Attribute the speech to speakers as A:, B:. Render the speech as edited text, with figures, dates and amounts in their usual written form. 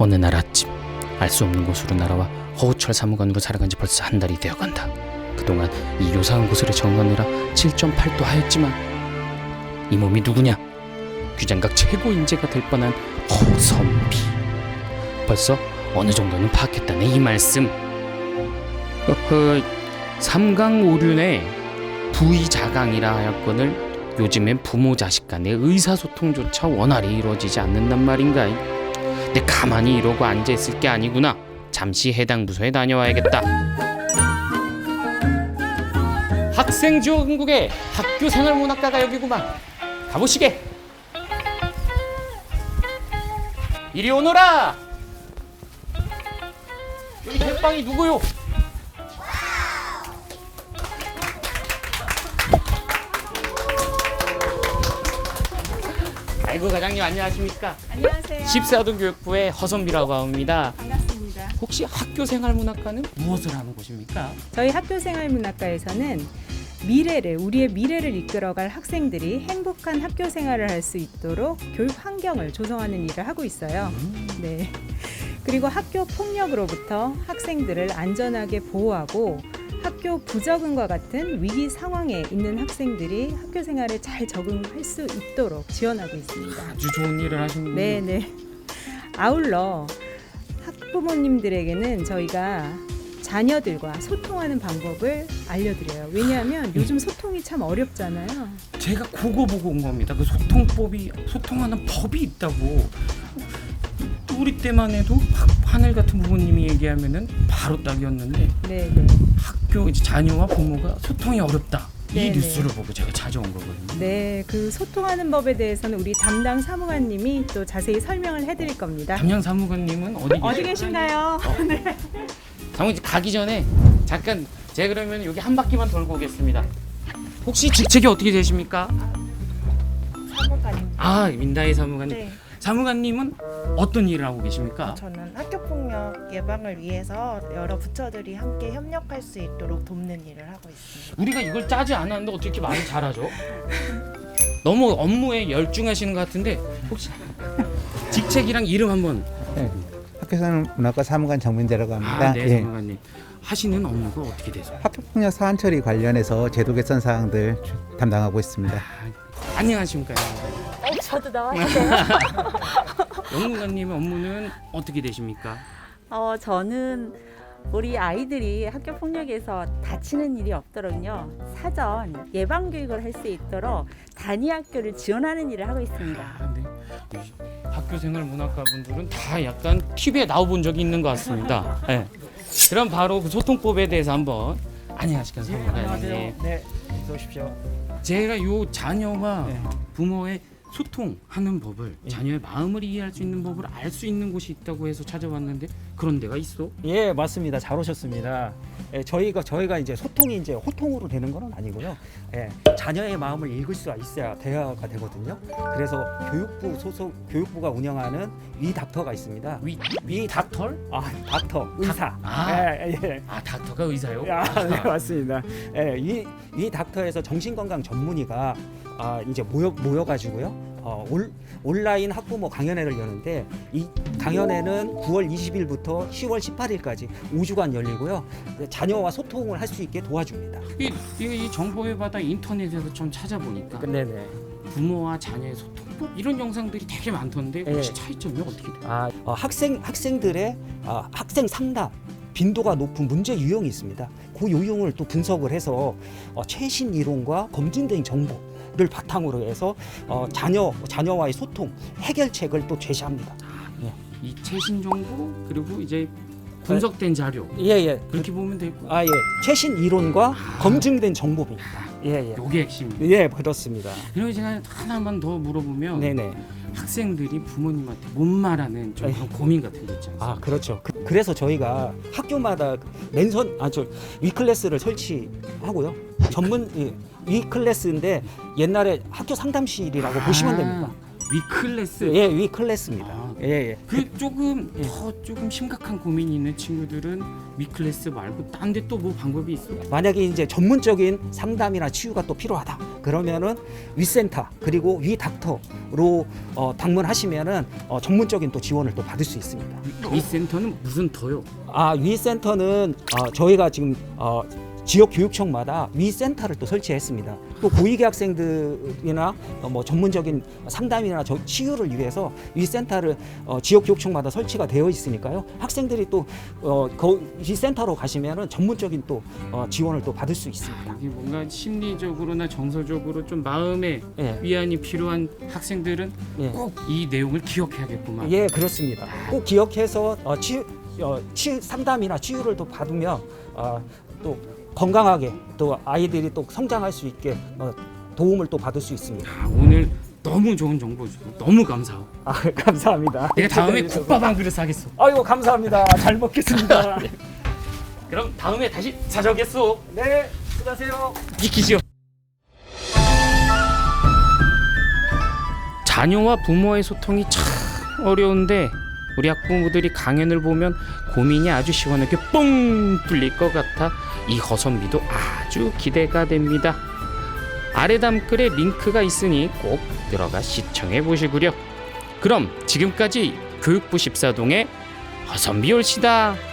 A: 어느 날 아침 알 수 없는 곳으로 날아와 허우철 사무관으로 살아간 지 벌써 한 달이 되어간다. 그동안 이 요상한 곳으로 적응하느라 7.8도 하였지만 이 몸이 누구냐? 규장각 최고 인재가 될 뻔한 허선비. 벌써 어느 정도는 파악했다네 이 말씀. 삼강오륜의 부의자강이라 하였거늘 요즘엔 부모 자식 간의 의사소통조차 원활히 이루어지지 않는단 말인가. 내 가만히 이러고 앉아있을 게 아니구나. 잠시 해당 부서에 다녀와야겠다. 학생지원국의 학교생활문학과가 여기구만. 가보시게. 이리 오너라. 여기 대빵이 누구요? 아이고 과장님 안녕하십니까?
B: 안녕하세요.
A: 14동 교육부의 허선비라고 합니다.
B: 반갑습니다.
A: 혹시 학교생활문학과는 무엇을 하는 곳입니까?
B: 저희 학교생활문학과에서는 우리의 미래를 이끌어갈 학생들이 행복한 학교 생활을 할 수 있도록 교육 환경을 조성하는 일을 하고 있어요. 네. 그리고 학교 폭력으로부터 학생들을 안전하게 보호하고 학교 부적응과 같은 위기 상황에 있는 학생들이 학교 생활에 잘 적응할 수 있도록 지원하고 있습니다.
A: 아주 좋은 일을 하시는군요.
B: 네네. 아울러 학부모님들에게는 저희가 자녀들과 소통하는 방법을 알려드려요. 왜냐하면 요즘 소통이 참 어렵잖아요.
A: 제가 그거 보고 온 겁니다. 그 소통하는 법이 있다고. 우리 때만 해도 하늘 같은 부모님이 얘기하면은 바로 딱이었는데
B: 네네.
A: 학교 이제 자녀와 부모가 소통이 어렵다. 이
B: 네네.
A: 뉴스를 보고 제가 찾아온 거거든요.
B: 네, 그 소통하는 법에 대해서는 우리 담당 사무관님이 또 자세히 설명을 해드릴 겁니다.
A: 담당 사무관님은
B: 어디 계신가요? 네.
A: 사무관 가기 전에 잠깐 제가 그러면 여기 한 바퀴만 돌고 오겠습니다. 혹시 직책이 어떻게 되십니까?
C: 사무관입니다.
A: 아, 민다희 사무관님.
C: 네,
A: 사무관님은 어떤 일을 하고 계십니까?
C: 저는 학교폭력 예방을 위해서 여러 부처들이 함께 협력할 수 있도록 돕는 일을 하고 있습니다.
A: 우리가 이걸 짜지 않았는데 어떻게 이렇게 말을 잘하죠? 너무 업무에 열중하시는 것 같은데 혹시 직책이랑 이름 한번.
D: 네, 학교생활문학과 사무관 정민재라고 합니다.
A: 아, 네,
D: 예.
A: 사무관님. 하시는 업무가 어떻게 되세요?
D: 학교폭력 사안 처리 관련해서 제도 개선 사항들 담당하고 있습니다.
A: 안녕하십니까?
E: 저도 나와야 돼요.
A: 영무관님의 업무는 어떻게 되십니까?
E: 저는 우리 아이들이 학교 폭력에서 다치는 일이 없도록요 사전 예방 교육을 할 수 있도록 단위 학교를 지원하는 일을 하고 있습니다.
A: 아, 네. 학교생활문학과 분들은 다 약간 TV에 나와본 적이 있는 것 같습니다. 네. 그럼 바로 그 소통법에 대해서 한번. 안녕하십니까 사무관님.
F: 네, 어서 오십시오.
A: 제가 요 자녀와
F: 네.
A: 부모의 소통하는 법을,
F: 예.
A: 자녀의 마음을 이해할 수 있는 법을 알 수 있는 곳이 있다고 해서 찾아왔는데 그런 데가 있어?
F: 예, 맞습니다. 잘 오셨습니다. 예, 저희가 이제 소통이 이제 호통으로 되는 건 아니고요. 예, 자녀의 마음을 읽을 수 있어야 대화가 되거든요. 그래서 교육부 소속 교육부가 운영하는 위 닥터가 있습니다.
A: 위 닥터?
F: 닥터 의사. 예.
A: 아, 닥터가 의사요?
F: 네, 맞습니다. 예, 이 닥터에서 정신건강 전문의가 이제 모여가지고요. 온라인 학부모 강연회를 여는데 이 강연회는 9월 20일부터 10월 18일까지 5주간 열리고요. 자녀와 소통을 할 수 있게 도와줍니다.
A: 이 정보를 받아 인터넷에서 좀 찾아보니까
F: 네네.
A: 부모와 자녀의 소통법 이런 영상들이 되게 많던데 혹시
F: 예.
A: 차이점이 어떻게 돼요?
F: 학생들의 학생 상담 빈도가 높은 문제 유형이 있습니다. 그 유형을 또 분석을 해서 최신 이론과 검증된 정보를 바탕으로 해서 자녀와의 소통 해결책을 또 제시합니다.
A: 이 최신 정보 그리고 이제 분석된 자료
F: 예.
A: 그렇게 보면 되고.
F: 예. 최신 이론과 검증된 정보입니다. 예.
A: 요게 핵심입니다.
F: 예, 그렇습니다.
A: 그리고 제가 하나만 더 물어보면
F: 네네.
A: 학생들이 부모님한테 못 말하는 좀 그런 고민 같은 게 있지 않습니까?
F: 그렇죠. 그래서 저희가 학교마다 위클래스를 설치하고요. 전문 위클래스인데 옛날에 학교 상담실이라고 보시면 됩니다.
A: 위클래스.
F: 예, 위 클래스입니다.
A: 아,
F: 예, 예.
A: 그 조금 더 조금 심각한 고민이 있는 친구들은 위클래스 말고 딴 데 또 뭐 방법이 있어?
F: 만약에 이제 전문적인 상담이나 치유가 또 필요하다. 그러면은 위센터 그리고 위 닥터로 방문하시면은 전문적인 또 지원을 또 받을 수 있습니다.
A: 이 센터는 무슨 더요?
F: 위 센터는 저희가 지금 지역 교육청마다 위 센터를 또 설치했습니다. 또 고위계 학생들이나 뭐 전문적인 상담이나 치유를 위해서 위 센터를 지역 교육청마다 설치가 되어 있으니까요. 학생들이 또 위 센터로 가시면은 전문적인 또 지원을 또 받을 수 있습니다.
A: 여기 뭔가 심리적으로나 정서적으로 좀 마음의
F: 예.
A: 위안이 필요한 학생들은
F: 예.
A: 꼭 이 내용을 기억해야겠구만.
F: 예, 그렇습니다. 꼭 기억해서 상담이나 치유를 또 받으면 또 건강하게 또 아이들이 또 성장할 수 있게 도움을 또 받을 수 있습니다.
A: 오늘 너무 좋은 정보 주셔서 너무 감사하고.
F: 감사합니다.
A: 내가 다음에 국밥 한 그릇 사겠어.
F: 아이고 감사합니다. 잘 먹겠습니다.
A: 그럼 다음에 다시 찾아오겠소.
F: 네, 수고하세요.
A: 지키시오. 자녀와 부모의 소통이 참 어려운데 우리 학부모들이 강연을 보면 고민이 아주 시원하게 뻥 뚫릴 것 같아 이 허선미도 아주 기대가 됩니다. 아래 댓글에 링크가 있으니 꼭 들어가 시청해 보시구려. 그럼 지금까지 교육부 14동의 허선미 올시다.